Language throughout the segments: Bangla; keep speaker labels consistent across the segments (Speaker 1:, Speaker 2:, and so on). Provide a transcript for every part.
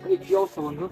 Speaker 1: এই কি অবস্থা বন্ধু?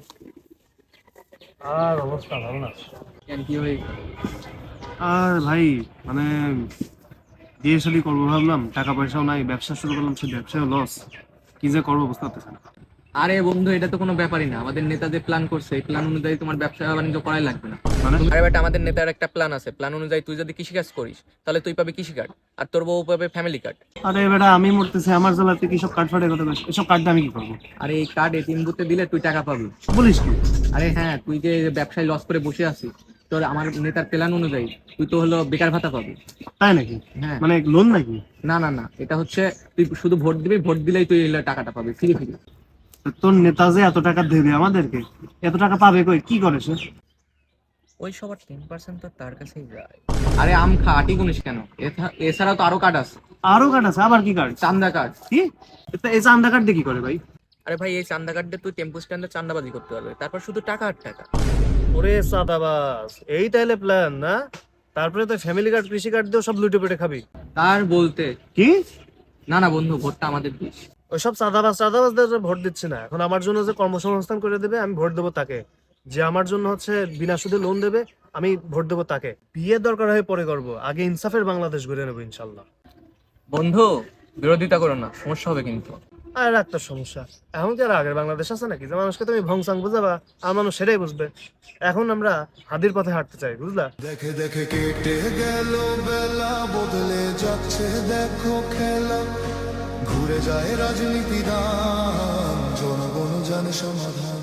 Speaker 2: আর অবস্থা ভালো না।
Speaker 1: কেন কি হয়ে?
Speaker 2: আর ভাই, মানে বিয়ে শাদী করবো ভাবলাম, টাকা পয়সাও নাই, ব্যবসা শুরু করলাম, সে ব্যবসায় লস। কি যে করবো বুঝতে পারতেছি না।
Speaker 1: আরে বন্ধু, এটা তো কোনো ব্যাপারই না। আমাদের নেতা যে প্ল্যান করছে এই প্ল্যান অনুযায়ী তোমার ব্যবসা বাণিজ্য করাই লাগবে না।
Speaker 2: মানে
Speaker 1: আরে বেটা, আমাদের নেতার একটা প্ল্যান আছে। প্ল্যান অনুযায়ী তুই যদি কৃষিকাজ করিস তাহলে তুই পাবি কৃষি কার্ড, আর তোর বউ পাবে ফ্যামিলি কার্ড।
Speaker 2: আরে বেটা, আমি মরতেছি, আমার জেলাতে কি সব কার্ড ফাটে কথা বলিস? এসব কার্ড আমি কি করবো?
Speaker 1: আরে এই কার্ড এটিএম বুথে দিলে তুই টাকা পাবি।
Speaker 2: বলিস কি?
Speaker 1: আরে হ্যাঁ, তুই যে ব্যবসায় লস করে বসে আছিস, তোর আমার নেতার প্ল্যান অনুযায়ী তুই তো হলো বেকার ভাতা পাবি।
Speaker 2: তাই নাকি?
Speaker 1: হ্যাঁ।
Speaker 2: মানে লোন নাকি?
Speaker 1: না না না, এটা হচ্ছে তুই শুধু ভোট দিবি, ভোট দিলেই তুই এই টাকাটা পাবি ফ্রি ফ্রি।
Speaker 2: তো তোর নেতা যে এত টাকা দেবে আমাদেরকে, এত টাকা পাবে কই? কি করে সে?
Speaker 1: ওই সবার 10% তো তার কাছেই যায়। আরে আম খা, আটি গুনিস কেন? এছাড়াও তো আরো কার্ড আছে।
Speaker 2: আরো কার্ড আছে? আবার কি কার্ড?
Speaker 1: চান্দা কার্ড।
Speaker 2: কি? তা এই চান্দা কার্ড দিয়ে কি করে ভাই?
Speaker 1: আরে ভাই, এই চান্দা কার্ড দিয়ে তুই টেম্পো স্ট্যান্ডে চান্দাবাজি করতে পারবে, তারপর শুধু টাকা আর টাকা।
Speaker 2: ওরে সাদাবাস, এই তাইলে প্ল্যান না? তারপরে তো ফ্যামিলি কার্ড, কৃষি কার্ড দিয়ে সব লুটে পেটে খাবি?
Speaker 1: তার বলতে
Speaker 2: কি?
Speaker 1: না না বন্ধু, ভোটটা আমাদের দিস।
Speaker 2: ওইসব চাঁদাবাজদের ভোট দিচ্ছে না। এখন আমার জন্য যে কর্মসংস্থান করে দেবে আমি ভোট দেবো তাকে। যে আমার জন্য হচ্ছে বিনা সুদে লোন দেবে আমি ভোট দেবো তাকে। বিয়ের দরকার হয় পরে করবো, আগে ইনসাফের বাংলাদেশ গড়ে নেবো ইনশাল্লাহ।
Speaker 1: বন্ধু, বিরোধিতা করো না, সমস্যা হবে কিন্তু।
Speaker 2: আর একটা সমস্যা, এখন কি আর আগের বাংলাদেশ আছে নাকি যে মানুষকে তুমি ভংসাং বুঝাবা আর মানুষ সেটাই বুঝবে? এখন আমরা হাদির পথে হাঁটতে চাই, বুঝলা?
Speaker 3: দেখে দেখে কেটে গেল বেলা, বদলে যাচ্ছে দেখো খেলা, ঘুরে যায় রাজনীতি, দান জনগণ জানে সমাধান।